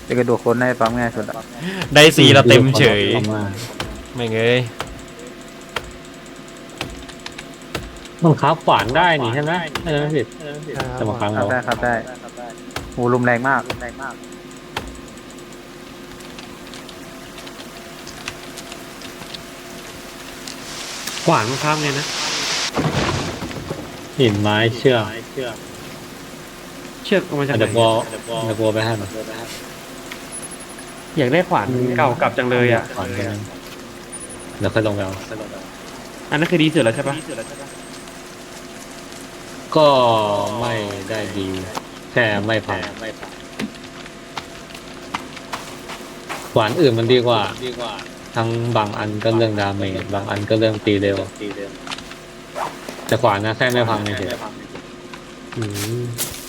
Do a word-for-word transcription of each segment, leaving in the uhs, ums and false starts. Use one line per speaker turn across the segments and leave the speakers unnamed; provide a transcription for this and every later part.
จะกระโดดโคนได้ปั๊มง่ายสุดอะ
ได้สีเราเต็มเฉย
ออกมา
ไม่เงย
มันค้าขวานได้นี่ใช่ไหมใช่ไหมผิดจะมาค้าง
ครั
เรา
บได้ครับได้โอ้ลมแรงมากแรงมาก
ขวานมันข้ามไงนะ
หินไม้เชือก
เชือกเอามาจากไหน
เดี๋ยวบัวเดี๋ยวบัวไปให้มัน
อยากได้ขวานเก่ากลับจังเลยอ่ะ
ขวานไปให้เดี๋ยวค่อยลงไปเอา
อันนั้นคือดีสุดแล้วใช่ปะ
ก็ไม่ได้ดี แค่ไม่พังขวานอื่นมันดีกว่า ทั้งบางอันก็เรื่องดาเมจบางอันก็เรื่องตีเร็วแต่ขวานนะแค่ไม่พังเฉย
อืม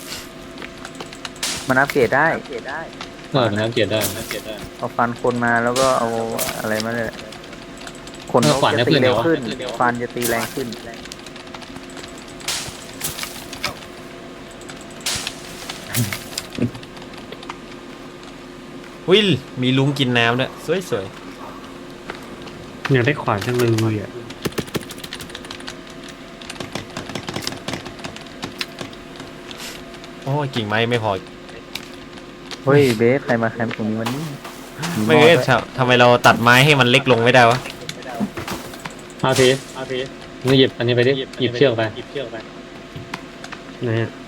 มันอัปเกรดได้
เออมันน่าเกลียดได้
เอาฟันคนมาแล้วก็เอาอะไรมาเลยคน
เออขวาน
จะ
ได้
ตี
ขึ้น
เร็ว
เหรอ
ขึ้นฟันจะตีแรงขึ้น
วิลมีลุงกินน้ำด้วยสวย
อยากได้ขวานจังเลยอ่ะ
ๆโอ้ยกิ่งไม้ไม่พอ
เฮ้ยเบสใครมาแคมป์ตรงนี้วันนี้
ไม่เงยทำไมเราตัดไม้ให้มันเล็กลงไม่ได้วะ
เอาทีมึงหยิบอันนี้ไปดิหยิบเชือกไป
ไหนอ่ะ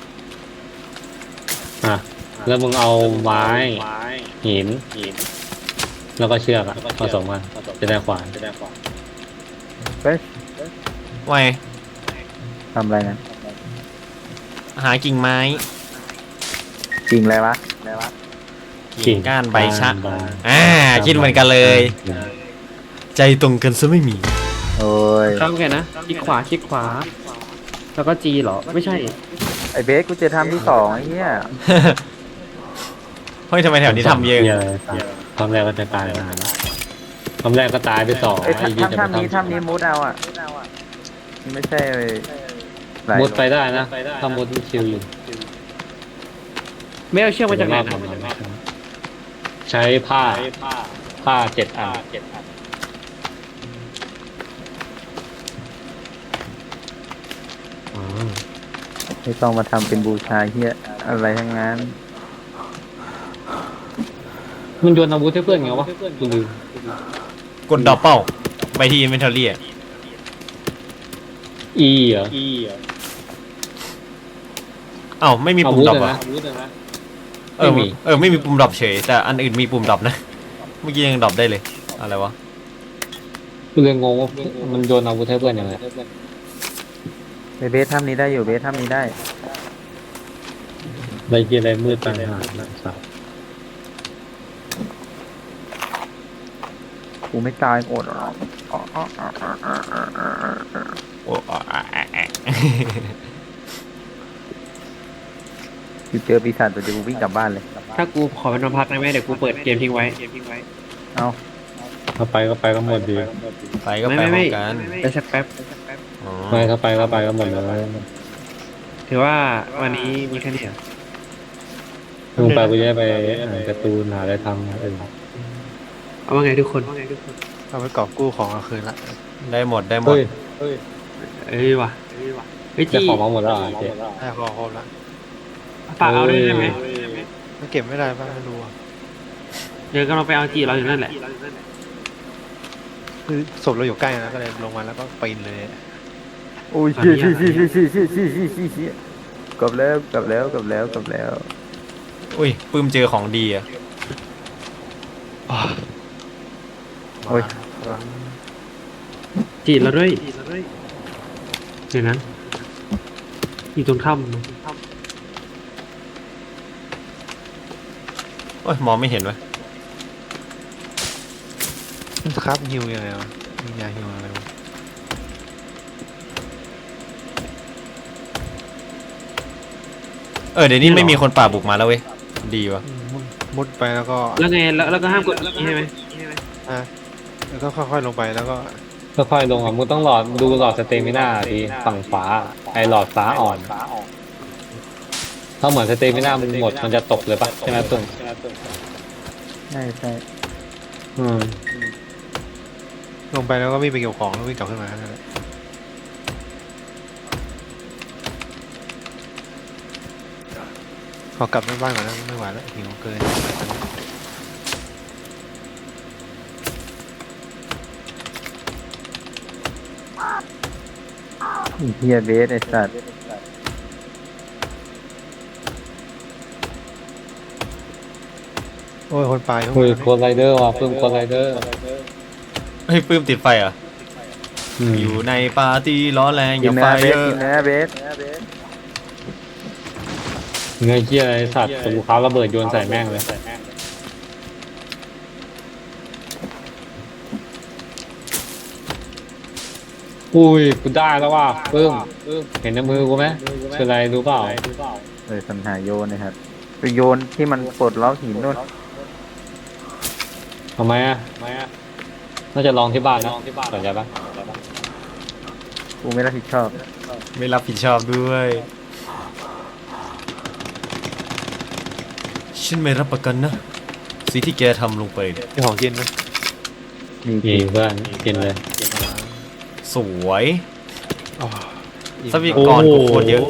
อ่ะแล้วมึงเอาไม้หินแล้วก็เชือกอะผสมกันจะได้ขวาน
เฮ้ย
ว่าไง
ทำอะไรนะ
หากิ่งไม้
จริงอะไรวะ
กิ่งก้านใบชะ
ใบ
อ่าคิดเหมือนกันเลย ใจตรงกันซะไม่มี
โอ้ย
ข้ามไงนะคลิกขวาคลิกขวา แล้วก็จีเหรอ ไม่ใช่
ไอเบสกูจะทำที่สองไอ้เหี้ย
เฮ้ยทำไมแถวนี้ทำเยอะ
หี้ตอนแรกก็จะตายแล้วตอนแรกก็ตายไปสอง
ไอ้ย
ไอ้ยี่
ทำ
จะ
ทำนี้ทำนี้มุดเอาอ่ะไม่ใช่หลาย
มุดไปได้นะถ้ามุดชิวอยู่
ไม่เอาเชือกมาจากไหนนะ
ใช้ผ้าผ้าเจ็ดอัน
อ๋อ
ไม่ต้องมาทำเป็นบูชาเหี้ยอะไรทั้งนั้น
มันโยนอาวุธให้เพื่อนไงวะกูลืม
กดดอกเป้าไปที่อินเวนทอรี่
อีเหรอ
เอ้าไม่มี
อา
ปุ่ม
วุธ
ดรอป
อะ
อ่ะ
นะ
เออ
ไม่มี
เออไม่มีปุ่มดรอปเฉยแต่อันอื่นมีปุ่มดรอปนะเมื่อกี้ยังดรอปได้เลยอะไรวะ
กูเลยงงว่ามันโยนอาวุธให้เพื่อนยังไง
ไอเบสทำนี้ได้อยู่เบสทำนี้ได้
อะไรเกียอะไรมืดต่างหากนะครับ
กูไม่ตายโอดหรอก
โอ้อ่ะอ่ะอ่ะอ่ะ
กูเจอปีศาจตัวเดียวกูวิ่งกลับบ้านเลย
ถ้ากูขอเป็นนอนพักได้ไหมเดี๋ยวกูเปิดเกมทิ้งไว้
เอา
ถ้าไปก็ไปก็หมดดี
ไปก็
ไม่
ไป
ไม่
พร้อ
ไม่
มกัน
ไปสักแป๊บ
อ๋อ
ไม่ถ้าไปก็ไปก็หมดเลย
ถือว่าวันนี้มีแค่นี้เหรอ
มึงไปกูจะได้ไปอ่านการ์ตูนหาอะไรทำเออ
เอาว่าไงทุกคน
เอาไปกอบกู้ของเอาคืนละ
ได้หมดได้หมด
เฮ้ย
เอ้ยว่ะเฮ้ย
จะ
จี
ของมาหมดแล้วเหรอเจ๊
ให้ของครบละ
ฝากเอาด้วยได้ไหม
มันเก็บไม่ได้ป่ะไม่รู้อ่ะ
เดี๋ยวก็เราไปเอาจีเราอยู่นั่นแหละ
คือศพเราอยู่ใกล้นะก็เลยลงมาแล้วก็ปีนเลย
โอ้ยเชี่ยเชี่ยเชี่ยเชี่ยเชี่ยเชี่ยเชี่ยเชี่ยเชี่ยเชี่ยกลับแล้วกลับแล้วกลับแล้วกลับแล้ว
อุ้ยปื้มเจอของดีอ่ะ
โอ้ย
จีเราด้วยเดี๋ยวนะอยู่ตรงถ้ำ
โอ้ยมองไม่เห็นวะ
ครับฮิวยังไงวะมียาฮิวอะไรวะ
เออเดี๋ยวนี้ไม่มีคนป่าบุกมาแล้วเว้ยดีวะ
อืมมุดมุดไปแล้วก็
แล้วไงแล้วแล้วก็ห้ามกดใช่ไหม
อ่ะแล้วก็ค่อยๆลงไปแล้วก็
ค่อยๆลงอ่ะมึงต้องหลอดดูหลอดสเตมิน่าทีฝั่งขวาไอหลอดฟ้าอ่อน ถ้ถ้าเหมือนสเตมิน่ามันหมดมันจะตกเลยปะใช่ไหมตุ่ม
ใช่ใช่
อืม
ลงไปแล้วก็วิ่งไปเก็บของแล้ววิ่งกลับขึ้นมานั่นแหละขอกลับบ้านก่อนนะไม่ไหวแล้วหิวเกิน
ไอ้เฮียเบสไอ้สัตว์
โอ้ยคนปลาย
เฮ้ยโคไรเดอร์ว่ะเพิ่มโคไรเดอร์
เฮ้ยปื้มติดไฟเหรอ่ะ
อืม
อยู่ในปาร์ตี้ร้อนแรงอ
กิน
ย่า
เนื้
ไฟ
อเบ
เย
ส
อะ
กินเนื้อเบส
เงยเกี้ยอะไรสัตว์ตูเขาระเบิดโยนใส่แม่งเลยอุ้ยกูได้แล้วว่ะเพิ่มเห็นในมือกูไหมคืออะไรรู้เปล่า
เออสัญหาโยนนะครับคือโยนที่มันปลดล็อกหินนู่น
ทำไมอ่ะน่าจะลองที่บ้านนะสนใจปะ
กูไม่รับผิดชอบ
ไม่รับผิดชอบด้วยฉันไม่รับประกันนะสิ่งที่แกทำลงไปเนี่ย
มีของกินไหม
มี
มีเพื่อนกินเลย
สวย
อ๋ออิ่ม
ทรัพยากรกูโคตรเยอะ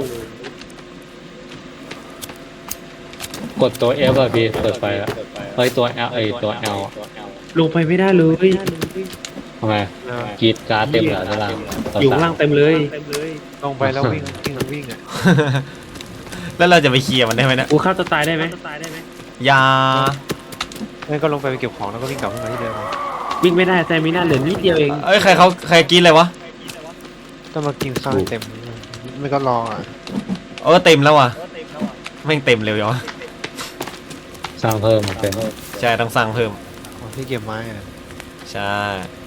กดตัว F อ่ะพี่เปิดไฟแล้วเฮ้ยตัว L ไอยตัว L อะ
ลงไปไม่ได้เลย
ทำไม
นะ
กรีดการ์ดเต็มเหรอด้านล่าง
อยู่ข้างล่างเต็มเลย
ลงไปแล้ววิ่งวิ่งวิ่งอ่ะ
แล้วเราจะไปเคลียร์มันได้ไหมเนะ
กูฆ่าตัวตายได้ไหม
อยา
งั้นก็ลงไปไปเก็บของแล้วก็วิ่งกลับขึ้นมาที่เดิม
วิ่งไม่ได้แต่มีหน้าเหลือนิดเดียวเอง
เอ้ยใครเขาใครกินอะไรวะ
ต้องมากินข้าวให้เต็มไม่ก็รออ่ะ
เออเต็มแล้วว่ะแม่งเต็มเร็วยังวะ
สร้างเพิ่มมาเป็น
ใช่ต้องสั่งเพิ่ม
ของที่เก็บไม้อ่ะ
ใช่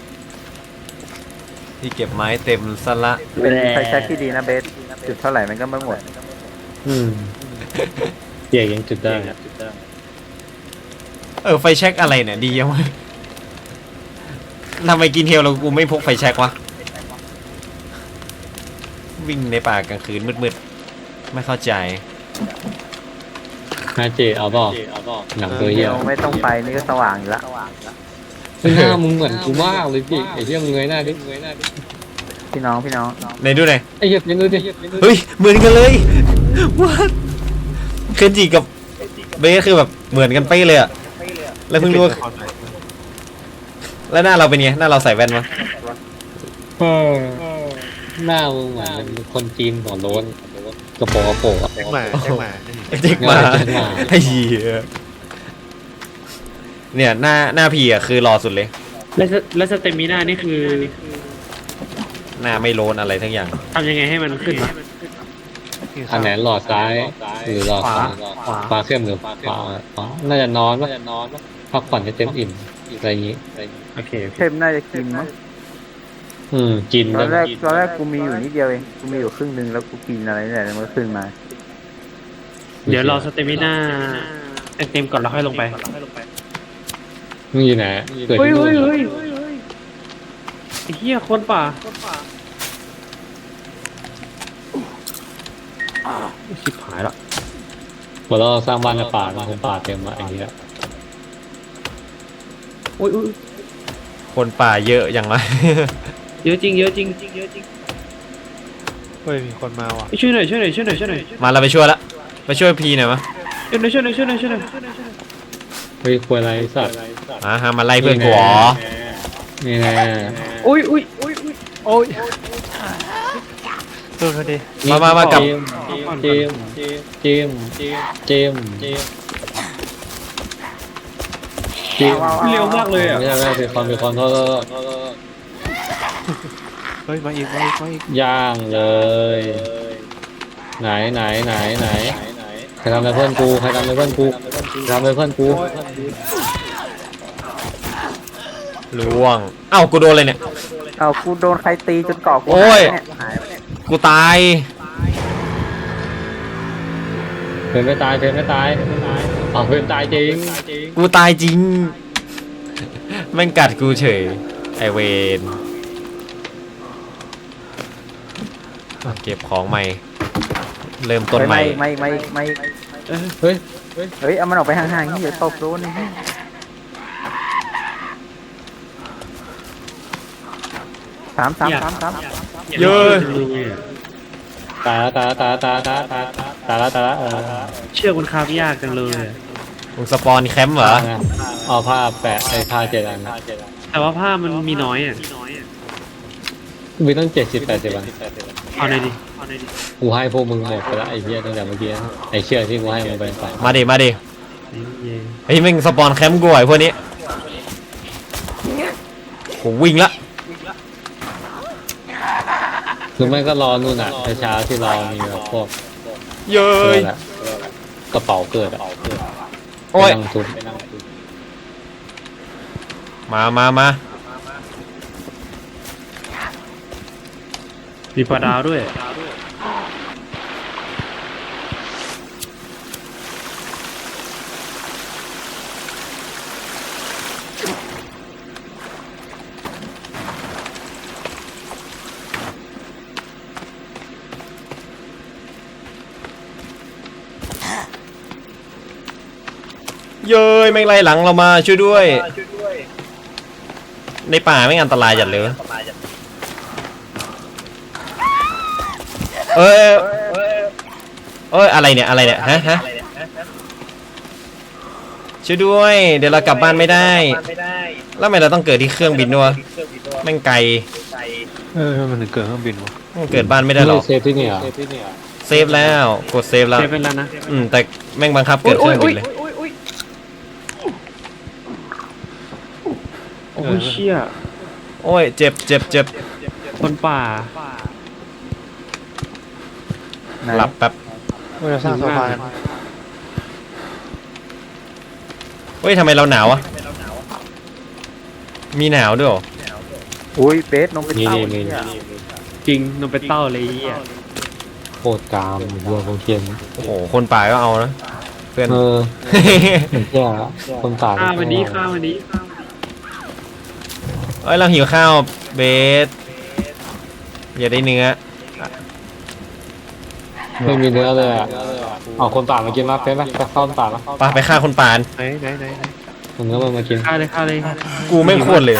ที่เก็บไม้เต็มซะละ
เป็นไฟแช็กที่ดีนะเบสจุดเท่าไหร่มันก็ไม่หมด
อืมเกี่ยยังจุดได้
เออไฟแช็กอะไรเนี่ยดียังไงทำไมกินเฮลเรากูไม่พกไฟแช็กวะวิ่งในป่ากลางคืนมืดๆไม่เข้าใจ
ฮาเจเอาเปล่าหนังตัวเหี้
เดี
ย
ยวไม่ต้องไปนี่ก็สว่างอยู่ละ
หน้ามึงเหมือนกูมากเลยพี่ไอ้เหี้ยมึงเงยหน้าดิ
พี่น้องพี่น้อง
ไหนดูหน่อย
ไอ้เหี้ยยังดูดิ
เฮ้ยเหมือนกันเลยว้าเคนจิกับเบสคือแบบเหมือนกันเป๊ะเลยอะแล้วเพิ่งรู้ว่าแล้วหน้าเราเป็นไงหน้าเราใส่แว่นมั้ย
เออหน้ามึงเหมือนเป็นคนจีนหัวโล้นกระโปรงกระโปรงอะ
แจ็คหมาแจ็คหมา
เจ๊กมา
เจ๊กมา
ไอ้เหี้ยเนี่ยหน้าหน้าพี่อะคือรอสุดเลย
แล้วสแล้วสเตมิน่านี่คือ
หน้าไม่โลนอะไรทั้งอย่าง
ทำยังไงให้มันขึ้นวะ
อันไหนหลอดซ้ายหรือหลอดขวา
ขวา
ขวาเข้มหรือขวาขวาน่าจะนอนปะพักผ่อนให้เต็มอิ่มอะไรอย่างงี้
โอเคโอเค
เข้มน่าจะกินมั้ง
อืมกิน
ต
ด้
อ
วน
แร
ย
กตอนแรกกูมีอยู่นิดเดียวเองกูมีอยู่ครึ่งหนึงแล้วกูกินอะไรนี่แหละแล้วมันก็ขึ้นมา
เดี๋ยวรอสเตมิน่าเต็มก่อนแล้วค่อยลงไป
มึงอยู่ไหนเกิด
เฮ้ย
ที่นู่
เฮ้ย
น
เฮ้ยไอ้เหี้ยคนป่าชิบหายละ
พอเราสร้างบ้านในป่ามันคงป่าเต็มอะอย่างเงี้ย
อุ้ยอุ้ย
คนป่าเยอะอย่างไร
เยอะจริงเยอะจริงเยอะจริง
เฮ้ยมีคนมาว่ะ
ช่วยหน่อยช่วยหน่อยช่วยหน่อยช่วยหน่อย
มาเราไปช่วยละไปช่วยพีหน่อยมะ
ช่วยหน่อยช่วยหน่อยช่วยหน่อยช่วยหน่อย
เฮ้ยควรอะไรสัตว์
อ่าฮะมาไล่เพื่อนกูเหรอ
นี่แน่
อุ้ยอุ้ยอุ้ยอุ้ย
โอ้ยโดนเขาดิ
มามามากับ
เจมเจมเจมเจมเจมเจม
เร็วมากเลยอ่ะ
ไม่ใช่ไม่ใช่เป็นคอนเป็นคอนโทษ
เฮ้ยมาอีกมาอีกมาอีก
ย่างเลย ไหนไหนไหนไหนใครทำอะไรเพื่อนกูใครทำอะไรเพื่อนกูใครทำอะไรเพื่อนกู
ล่วงเอ้ากูโดนเลยเนี่ย
เอากูโดนใครตีจนเกาะกู
โอ้ย
หายไปเนี่ยหายไปเนี่ย
กูตาย
เพื่อนไม่ตายเพื่อนไม่ตายอ๋อเพื่อนตายจริง
กูตายจริงแม่งกัดกูเฉยไอเวนเก็บของใหม่เริ่มต้นใหม่
ไม่ไม่ไม่ไม่
เออ
เฮ้ย
เฮ้ยเอามันออกไปห่างๆนี่อย่าตบโดนนี่สามสามสามสาม
เยอะ
ตายแล้วตายแล้วตายแล้วตายแล้วตายแล้วตายแล้วเออ
เชือกมันคาบยากจังเลย
มึงสปอนแคมป์เหรอ
เอาผ้าแปะไอ้ผ้าเจ็ดอัน
แต่ว่าผ้ามันมีน้อยอ่ะ
มีตั้งเจ็ดสิบแปดสิบอัน
เอาหน่อยดิเอาหน่อยดิ
กูให้พวกมึงหมดไปแล้วไอ้เหี้ยตั้งแต่เมื่อกี้ไอ้เชือกที่กูให้มึงไปใส่
มาดิมาดิ
เย้
เฮ้ยมึงสปอนแคมป์กูไอ้พวกนี้ผมวิ่งละ
หรือไม่ก็รอนู่นอ่ะเช้าที่รอมีแบบพวก
เย้
เกิ
ย
ดอะกระเป๋าเกิดอะ
โอ้ย
ไปนั่งทุบ
มามามา
มีปลาดาวด้วย
เย้ยแม่งไล่หลังเรามาช่วยด้วย ในป่าไม่งอันตรายจัดเลยเอ้ยเอ้ยอะไรเนี่ยอะไรเนี่ยฮะฮะช่วยด้วยเดี๋ยวเรากลับบ้านไม่ได้แล้วทำไมเราต้องเกิดที่เครื่องบินด้วยแม่งไกล
เออมันถึงเกิดเครื่องบินวะ
มันเกิดบ้านไม่ได้หรอก
เซฟที่นี่เหรอ
เซฟแล้วกดเซฟแล้ว
เซฟเป็นแล้วนะ
อืมแต่แม่งบังคับเกิดเครื่องบินเลย
โอ้ยเชี่ย
โอ้ยเจ็บเจ็บเจ็บ
คนป่า
หลับแป๊บ
เราจะสร้างสะพานกัน
เฮ้ยทำไมเราหนาวอะมีหนาวด้วยเหรอ
อุ้ยเบสลงไป
นี่
เต้า
นี่
เนี่
นี่
ย
จริงนมเป็นเต้าเลยไอ้เหี้ย
โคตรกามวัวของเทียน
โอ้โหคนป่าก็เอานะเพื่อน
เออเหมือนแก่คนตาย
ข้าววันนี้ข้าววันนี้
เอ้ยเราหิวข้าวเบสอย่าได้เนื้อ
ไม่มีเนื้อเลยอ่ะเอาคนป่ามากินมาเป็นไหมไปเข้าป่าแล้ว
ไปไปฆ่าคนป่า
ไหนไหนไหนไหน
เอาเนื้อมันมากิน
ข้าวเลยข้าวเลย
กูไม่ควรเลย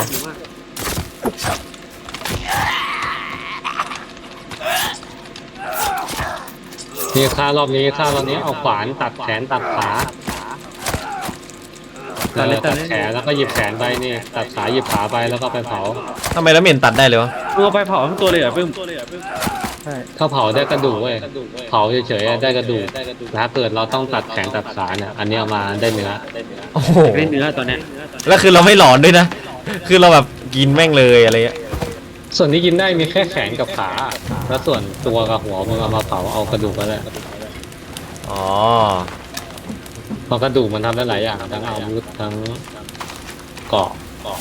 นี่ฆ่ารอบนี้ฆ่ารอบนี้เอาขวานตัดแขนตัดขาเออตัดแขนแล้วก็หยิบแขนไปนี่ตัดขาหยิบขาไปแล้วก็ไปเผา
ทำไมแล้วเหม็นตัดได้เลยวะ
มึงเอาไปเผาทั้งตัวเลยเหรอปึ้ม
ถ้าเผาได้กระดูกเว้ยเผาเฉยๆได้กระดูกถ้าเกิดเราต้องตัดแขนตัดขาเนี่ยอันนี้เอามาได้เนื้อ
โอ้โห
ได้เนื้อตอนเนี้ย
แล้วคือเราไม่หลอนด้วยนะ คือเราแบบกินแม่งเลยอะไรเงี้ย
ส่วนที่กินได้มีแค่แขนกับขาแล้วส่วนตัวกับหัวมึงเอามาเผาเอากระดูกก็ได้
อ๋อ
เพราะกระดูกมันทำได้หลายอย่างทั้งอาวุธทั้งเกราะ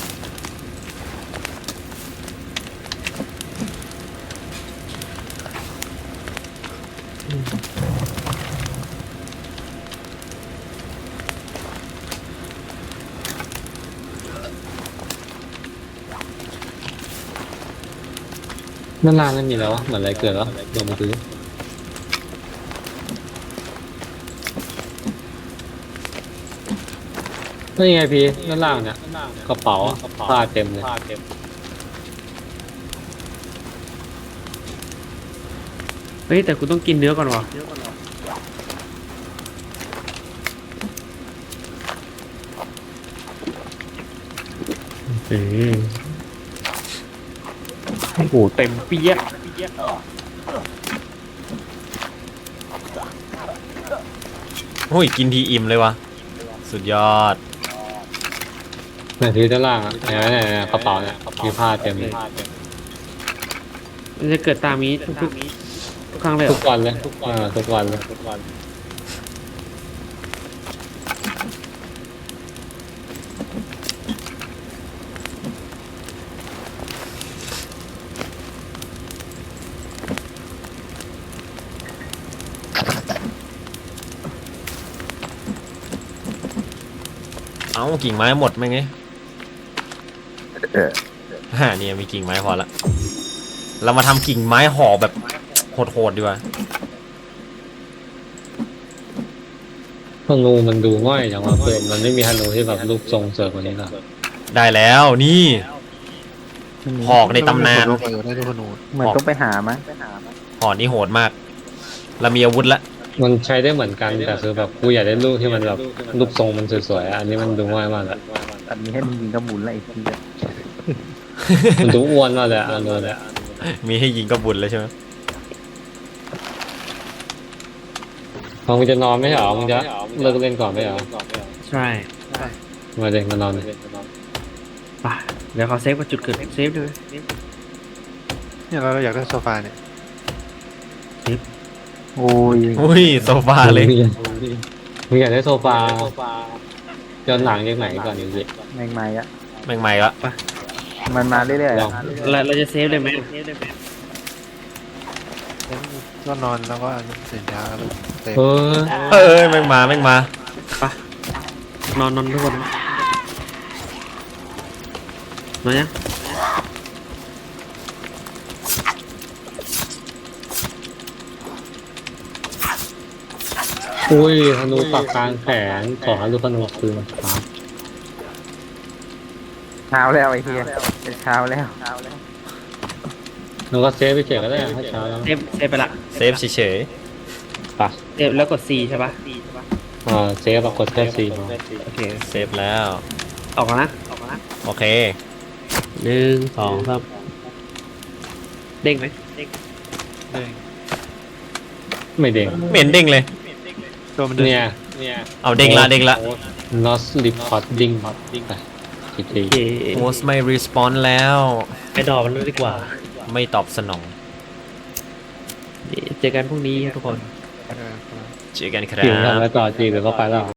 นั่นล่างนั่นมีแล้ววะเหมือนอะไรเกิดแล้วลงมาดูนี่ไงพี่นั่นล่างเนี่ยกระเป๋าผ้าเต็มเลย
เฮ้ยแต่กูต้องกินเนื้อก่อนวะเออโอ้โหเต็มเปี้ย
โอ้ยกินทีอิ่มเลยวะสุดยอด
เนี่ยที่ด้านล่างอ่ะเนี่ยเนี่ยเนี่ยกระเป๋าเนี่ยมีผ้าเต็มเลย
มันจะเกิดตามนี้ทุกทุกทุกครั้งเลยเหร
ทุ
อก
วันเลยทุกวันทุกวันเลยทุกวัน
เอ้ากิ่งไม้หมดไหมไง
เออ
ฮ่านี่มีกิ่งไม้พอละ เรามาทำกิ่งไม้ห่อแบบโหดๆดีกว่า
ธนูมันดูง่อยจังวะเพื่อนมันไม่มีธนูที่แบบรูปทรงสวยกว่านี้หรอ
ได้แล้วนี่หอกในตำนาน
โลกอยู่ได้ทุกคนนู
เหมือนต้องไปหามั้ง
หอกนี่โหดมากเรามีอาวุธละ
มันใช้ได้เหมือนกันแต่คือแบบกูอยากได้รูปที่มันแบบรูปทรงมันสวยๆอะอันนี้มันดูง่ายมากเลย
อันนี้ให้มึงยิงกระบุนละไอ้ทีย
มันดูอ้วนมากเลยอะอันนู้นเลย
มีให้ยิงก็บุญแล้วใช่ไหม
พอมึงจะนอนไม่ใช่เหรอมึงจะเลิกเล่นก่อนไม่ใช่เหรอ
ใช่
มาเด็กมานอนเลย
ป่ะเดี๋ยวเขาเซฟกับจุดเกิดเซฟด้วย
เนี่ยเราอยากได้โซฟาเนี่ย
โอ้ย
อุ้ยโซฟาเลย
มึงอยากได้โซฟาย้อนหลังยังไหนก่อนดิสิ
แมงไม้อะ
แม่งใหม่ละ
มันมาเรื่อยๆ
ล
อะ
อง
เราเราจะเซฟได้ไหม
ก็นอนแล้วก็ตื่นเช้าแล้วเต็ม
เออ
เออแม่งมาแม่งมาน
อนนอนทุกคนนะนอนยัง
อุ้ยธนูปักกลางแขนขอให้ลูกธนูคืนครับ
เช้าแล้วไอ้เฮียเช้าแล้ว
แล้วก็เซฟไปเฉยก็ได้ถ้าเช้าแล้ว
เซฟเซฟไปละ
เซฟเฉย
ปะ
เซฟแล้วกด C ใช่ปะ
อ่าเซฟแบบกดแค่สี่พอ
โอเค
ๆเซฟแล้ว
ออกแล้วนะออกแล้วนะ
โอเค
หนึ่งสองสามเด้งไหมเด้ง
เด้ง
ไม่เด้ง
ไม่เห็นเด้งเลย
ตัวมันเดิน
เนี่ยเนี่ย
เอาเด้งละเด้งละ
not recording ไปทีที
โอเค
โฮสไม่รีสปอนแล้ว
ไปดอกมันเลยดีกว่า
ไม่ตอบสนอง
เจอกันพรุ่งนี้ครับทุกคน
เออ
เจอกันครั
จิ๋วทำ
บ
อะไรต่อจีหรือก็ไปแล้ว